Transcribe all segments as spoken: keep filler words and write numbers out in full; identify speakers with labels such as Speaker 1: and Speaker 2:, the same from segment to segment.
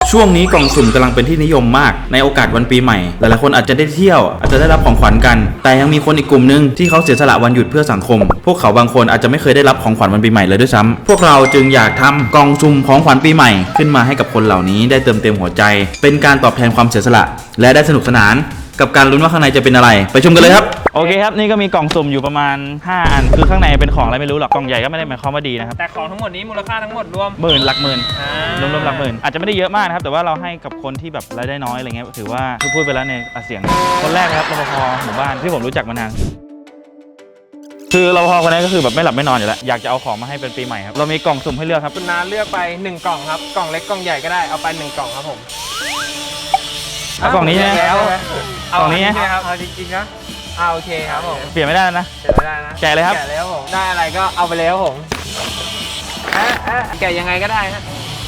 Speaker 1: ช่วงนี้กล่องสุ่มกำลังเป็นที่นิยมมากในโอกาสวันปีใหม่หลายๆคนอาจจะได้เที่ยวอาจจะได้รับของขวัญกันแต่ยังมีคนอีกกลุ่มนึงที่เขาเสียสละวันหยุดเพื่อสังคมพวกเขาบางคนอาจจะไม่เคยได้รับของขวัญวันปีใหม่เลยด้วยซ้ำพวกเราจึงอยากทำกล่องสุ่มของขวัญปีใหม่ขึ้นมาให้กับคนเหล่านี้ได้เติมเต็มหัวใจเป็นการตอบแทนความเสียสละและได้สนุกสนานกับการลุ้นว่าข้างในจะเป็นอะไรไปชมกันเลยครับโอเคครับนี่ก็มีกล่องสุ่มอยู่ประมาณห้าอันคือข้างในเป็นของอะไรไม่รู้หรอกกล่องใหญ่ก็ไม่ได้หมายความว่าดีนะครับ
Speaker 2: แต่ของทั้งหมดนี้มูลค่าทั้งหมดรวม
Speaker 1: หมื่นหลักหมื่นรวมรวมหลักหมื่นอาจจะไม่ได้เยอะมากนะครับแต่ว่าเราให้กับคนที่แบบรายได้น้อยอะไรเงี้ยถือว่าพูดไปแล้วในเสียงคนแรกครับรปภหมู่บ้านที่ผมรู้จักมานานคือรปภคนนี้ก็คือแบบไม่หลับไม่นอนอยู่แล้วอยากจะเอาของมาให้เป็นปีใหม่ครับเรามีกล่องสุ่มให้เลือกครับ
Speaker 2: คุณน้าเลือกไปหนึ่งกล่องครับกล่องเล็กกล่องใหญ่ก็ได้เอาไปหนึ่งกล่องครับผม
Speaker 1: เอากล่องนี้ใช่ไหม
Speaker 2: เอา
Speaker 1: กล่องนี้
Speaker 2: ครับเอาจริงๆนะเอาโอเคครับผม
Speaker 1: เปลี่ยนไม่ได้นะ
Speaker 2: เปลี่ยนไม่ได้นะ
Speaker 1: แกะเลยครับ
Speaker 2: แกะแล้วผมได้อะไรก็เอาไปแล้วผมแกะยังไงก็ได้ฮะ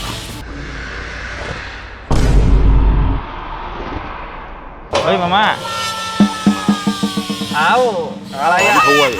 Speaker 1: เฮ้ยมาม่า
Speaker 2: เอาอะไรอ่ะ
Speaker 1: ถ้วย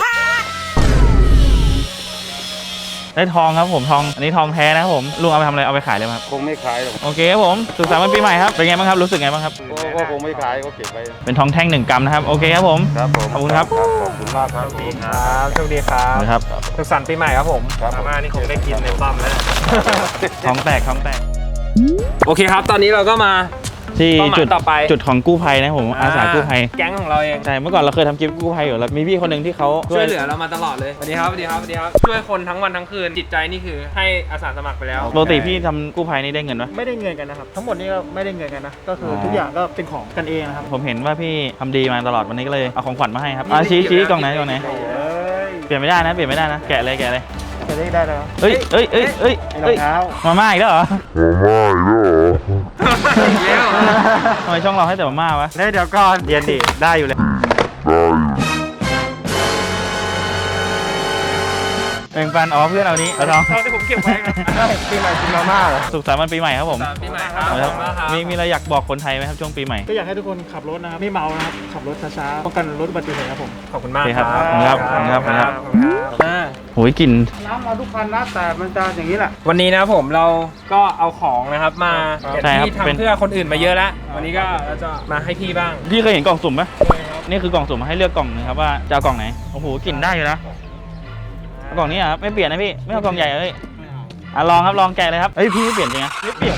Speaker 1: ได้ทองครับผมทองอันนี้ทองแท้นะครับผมลุงเอาไปทำอะไรเอาไปขายเลยครับ
Speaker 3: คงไม่ขายหรอก
Speaker 1: โอเคครับผมสุขสันต์วันปีใหม่ครับเป็นไงบ้างครับรู้สึกไงบ้างครับ
Speaker 3: ก็คงไม่ขายก็เก็บไป
Speaker 1: เป็นทองแท่งหนึ่งกรัมนะครับโอเคครับผม
Speaker 3: ครับผม
Speaker 1: ขอบคุณครับ
Speaker 3: ขอบคุณมากครับ
Speaker 2: โชคดีครับโชคดีครับ
Speaker 1: ครับ
Speaker 2: สุขสันต์ปีใหม่ครับผมมาม่านี่คงได้กินในปั๊มแล้ว
Speaker 1: ทองแตกทองแตก
Speaker 2: โอเคครับตอนนี้เราก็มา
Speaker 1: ที่จุด
Speaker 2: ต่อไป
Speaker 1: จุดของกู้ภัยนะผมอาสากู้ภัย
Speaker 2: แก๊งของเราเอง
Speaker 1: ใช่เมื่อก่อนเราเคยทำคลิปกู้ภัยอยู่แล้วมีพี่คนหนึ่งที่เขา
Speaker 2: ช่วยเหลือเรามาตลอดเลยสวัสดีครับสวัสดีครับสวัสดีครับช่วยคนทั้งวันทั้งคืนจิตใจนี่คือให้อาสาสมัครไปแล้ว
Speaker 1: ปกติพี่ทำกู้ภัยนี่ได้เงินไหม
Speaker 4: ไม่ได้เงินกันนะครับทั้งหมดนี้ก็ไม่ได้เงินกันนะก็คือทุกอย่างก็เป็นของกันเองนะครับ
Speaker 1: ผมเห็นว่าพี่ทำดีมาตลอดวันนี้ก็เลยเอาของขวัญมาให้ครับอ่ะชี้ชี้กล่องไหนกล่องไหนเปลี่ยนไม่ได้นะเปลี่ยนไม่ได้นะแกะเลยแกะเลย
Speaker 4: จะได้ได้แล้ว
Speaker 1: เฮ้ยเฮ้ยเฮ้ยเฮ้ย
Speaker 4: รองเท้า
Speaker 1: มาม่าอีกแล้วเหรอ
Speaker 3: มาม่าอีกแล้วเหรอ
Speaker 1: ทำไมช่องเราให้แต่มาม่าวะ
Speaker 4: เดี๋ยวก่อน
Speaker 1: เรียนดิได้อยู่เลยแบ่งปันอ๋อเพื่อนเอานี้เอาทอง
Speaker 2: ที่ผมเก็บไว้
Speaker 4: ปีใหม่กินมาม่าเหรอ
Speaker 1: สุขสันต์วันปีใหม่ครับผม
Speaker 2: ปีใหม่ครับ
Speaker 1: มีมีอะไรอยากบอกคนไทยไหมครับช่วงปีใหม่
Speaker 4: ก็อยากให้ทุกคนขับรถนะครับไม่เมานะครับขับรถช้าๆป้องกันรถอุบัติเหตุครับผม
Speaker 2: ขอบคุณมาก
Speaker 1: ครับครับครับครับโหยกลิ่น
Speaker 4: น้ำมาทุกคันนะแต่มันจะอย่างนี้แหละ
Speaker 2: วันนี้นะผมเราก็เอาของนะครับมาที่ทำเพื่อคนอื่นมาเยอะแล้ววันนี้ก็เราจะมาให้พี่บ้าง
Speaker 1: พี่เคยเห็นกล่องสุ่มไหมนี่คือกล่องสุ่มมาให้เลือกกล่องนึงครับว่าจะเอากล่องไหนโอ้โหกลิ่นได้อยู่นะกล่องนี้ครับไม่เปลี่ยนนะพี่ไม่เอากล่องใหญ่เลยอ่ะลองครับลองแกะเลยครับเฮ้ยพี่ไม่เปลี่ยนจริงนะ
Speaker 2: ไม่เปลี่ยน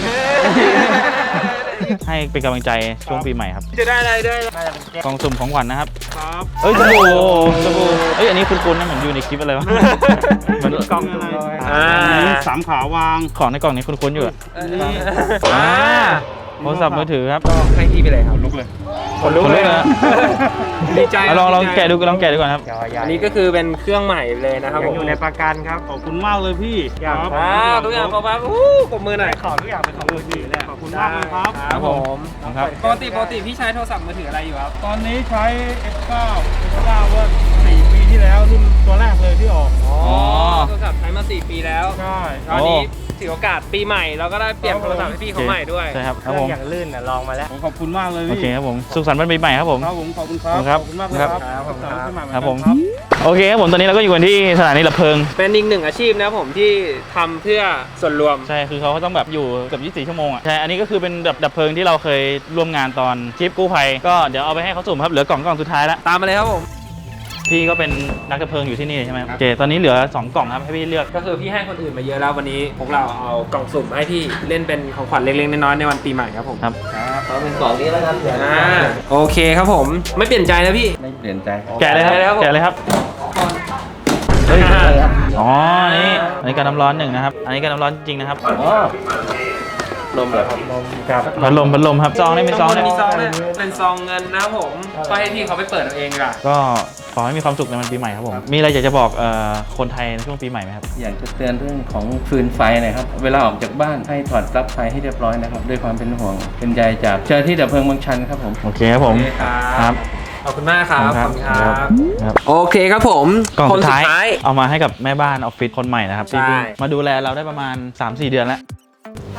Speaker 1: ให้เป็นกำลังใจช่วงปีใหม่ครับ
Speaker 2: จะได้อะไรได้
Speaker 1: กล่องสุ่มของขวัญนะครับ
Speaker 2: ครับ
Speaker 1: เอ้ยสบู่สบู่เอ้ยอันนี้คุ้นๆนะเหมือนอยู่ในคลิปอะไรวะ
Speaker 4: เหมือนกล่องอะไร
Speaker 2: อ่า
Speaker 4: สามขาวาง
Speaker 1: ของในกล่องนี้คุ้นๆอยู่อ่าโทรศัพท์มือถือครับ
Speaker 2: ก็ให้พี่ไปเลยครับ
Speaker 4: ลุกเลย
Speaker 2: คนลุกเลยนะดีใจ
Speaker 1: ลองลองแกะดูลองแกะดูก่อนครับ
Speaker 2: อันนี้ก็คือเป็นเครื่องใหม่เลยนะครับผม
Speaker 4: อยู่ในประกันครับขอบคุณมากเลยพี่
Speaker 2: ครับทุกอย่างขอบคุณอู้ปรบมือหน่อย
Speaker 4: ขอทุกอย่างเป็นของมือถือเลยขอบคุณมากเลยครับ
Speaker 2: ครับผมปกติปกติพี่ใช้โทรศัพท์มือถืออะไรอยู่ครับ
Speaker 4: ตอนนี้ใช้ เอฟ เก้า เอฟ เก้า เมื่อสี่ปีที่แล้วรุ่นตัวแรกเลยที่ออก
Speaker 2: อ๋อโทรศัพท์ใช้มาสี่ปีแล้ว
Speaker 4: ใช่
Speaker 2: ตอนนี้ถือโอกาสปีใหม่เราก็ได้เปลี่ยนโทรศัพท์ให้พี่เขาใหม่ด้วย
Speaker 1: ใช่ครับ
Speaker 4: ครับผมอย่างลื่นน่ะลองมาแล้ว
Speaker 2: ขอบคุณมากเลย
Speaker 1: โอเคครับผมสุขสันต์วันปีใหม่ครับผม
Speaker 4: ครับผมขอบคุณครับ
Speaker 1: ขอบ
Speaker 4: คุณมากครับ
Speaker 1: ครับผมโอเคครับผมตอนนี้เราก็อยู่กันที่สถานีดับเพลิง
Speaker 2: เป็นอีกหนึ่งอาชีพนะผมที่ทำเพื่อส่วนรวม
Speaker 1: ใช่คือเขาต้องแบบอยู่เกือบยี่สิบสี่ชั่วโมงอ่ะใช่อันนี้ก็คือเป็นแบบดับเพลิงที่เราเคยร่วมงานตอนทริปกู้ภัยก็เดี๋ยวเอาไปให้เขาสุ่มครับเหลือกล่องกล่องสุดท้ายแล้ว
Speaker 2: ตามมาเลยครับผม
Speaker 1: พี่ก็เป็นนักดับเพลิงอยู่ที่นี่ใช่ไหมโอเคตอนนี้เหลือสองกล่องครับให้พี่เลือก
Speaker 2: ก็คือพี่ให้คนอื่นมาเยอะแล้ววันนี้พวกเราเอากล่องสุ่มให้พี่เล่นเป็นของขวัญเล็กๆน้อยๆในวันปีใหม่ครับผม
Speaker 1: ครับ
Speaker 3: เขาเป็นกล่องนี้แล้วครับ
Speaker 2: อ่าโอเคครับผมไม่เปลี่ยนใจนะพี่
Speaker 3: ไม่เปลี่ยนใจ
Speaker 1: แกะเลยครับแกะเลยครับเฮ้ยอ๋อนี่อันนี้การน้ำร้อนหนึ่งนะครับอันนี้การน้ำร้อนจริงนะครับ
Speaker 3: ลมเหรอครับลม
Speaker 1: ครับพัดลมพัดลมครับซองได้เป็นซองได้
Speaker 2: มีซองเนี่ยเป็นซองเงินนะครับผมก็ให้พี่เขาไปเปิดเอาเองล่ะ
Speaker 1: ก็ขอให้มีความสุขในวันปีใหม่ครับผมมีอะไรอยากจะบอกคนไทยในช่วงปีใหม่ไหมครับ
Speaker 3: อยากจะเตือนเรื่องของฟืนไฟนะครับเวลาออกจากบ้านให้ถอดปลั๊กไฟให้เรียบร้อยนะครับด้วยความเป็นห่วงเป็นใยจากเจ้าหน้าที่ดับเพลิงบางชันครับผม
Speaker 1: โอเคครับผม
Speaker 2: ครับขอบคุณมากครับขอบคุณครับโอเคครับผม
Speaker 1: กล่องสุดท้ายเอามาให้กับแม่บ้านออฟฟิศคนใหม่นะครับที่มาดูแลเราได้ประมาณ สามสี่ เดือนแล้ว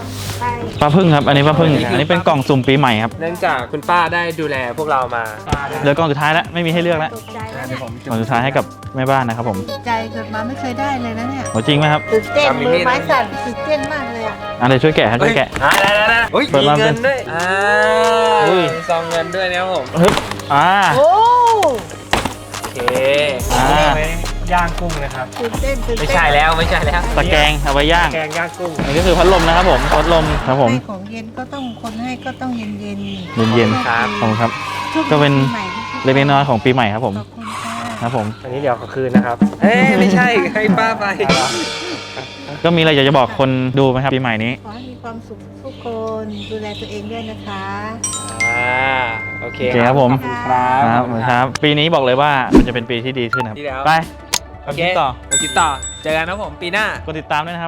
Speaker 1: ป้าพึ่งครับ อันนี้ป้าพึ่ง อันนี้เป็นกล่องสุ่มปีใหม่ครับ
Speaker 2: เนื่องจากคุณป้าได้ดูแลพวกเรามา
Speaker 1: เหลือกล่องสุดท้ายแล้ว ไม่มีให้เลือกแล้ว
Speaker 5: ตกใจแล้ว
Speaker 2: เดี๋ยว
Speaker 5: เนี่ย
Speaker 2: ผม
Speaker 1: กล่องสุดท้ายให้กับแม่บ้านนะครับผม
Speaker 5: ตกใจเกิดมาไม่เคยได้เลยนะเนี่ย
Speaker 1: โหจริงไหมครับ
Speaker 5: ตื่นเต้น
Speaker 2: จำมี
Speaker 5: มื
Speaker 2: มี
Speaker 5: อ
Speaker 2: ด
Speaker 5: ไม้สั่นตื่นเต้นมากเลยอ่ะ
Speaker 1: อันเดี๋ยวช่วยแกะครับช่วยแกะ
Speaker 2: อ่าได้ได้ได้เฮ้ย
Speaker 1: เปิด
Speaker 2: มี
Speaker 1: มา
Speaker 2: เงิ
Speaker 1: เป็น น
Speaker 2: ด้วยอ่า
Speaker 1: อุ้ย
Speaker 2: มีซองเงินด้วยนะครับผม
Speaker 1: ฮึบอ่า
Speaker 5: โอ้
Speaker 2: โอเค
Speaker 1: อ่า
Speaker 2: ไว้ย่างกุ้งนะครับ
Speaker 5: ตื่นเต้นตื่นเต้น
Speaker 2: ไม่ใช่แล้วไม่ใช่แล้ว
Speaker 1: ตะแกรงเอาไว้ย่าง
Speaker 2: แกงย่างกุ้ง
Speaker 1: อันนี้ก็คือพัดลมนะครับผมพัดลมครับผม
Speaker 5: ให้ของเย็นก็ต้องคนให้ก็ต้องเย็นเย็น
Speaker 1: เย็น
Speaker 2: ครับ
Speaker 1: ขอบคุณครับ
Speaker 5: ช่วง
Speaker 1: ก็เป็น
Speaker 5: ปีใหม่
Speaker 1: เล็กๆน้อยๆของปีใหม่ครับผม
Speaker 5: ขอบคุณค่ะ
Speaker 1: ครับผม
Speaker 2: อันนี้เดี๋ยวขอคืนนะครับ เอ้ยไม่ใช่ให้ป้าไป
Speaker 1: ก็มีอะไรอยากจะบอกคนดูไหมครับปีใหม่นี้
Speaker 5: ขอให้มีความสุขทุกคนดูแลตัวเองด้วยนะคะ
Speaker 2: อ่าโอเค
Speaker 1: โอเคครับผม
Speaker 2: ขอบคุณครับ
Speaker 1: ครับครับ ปีนี้บอกเลยว่ามันจะเป็นปีที่ดีขึ้นครับ
Speaker 2: ดีแล้ว
Speaker 1: ไป
Speaker 2: โอเค
Speaker 1: ต่อ
Speaker 2: เดี๋ยวติดต่อ เจอกันนะผมปีหน้า
Speaker 1: กดติดตามด้วยนะครับ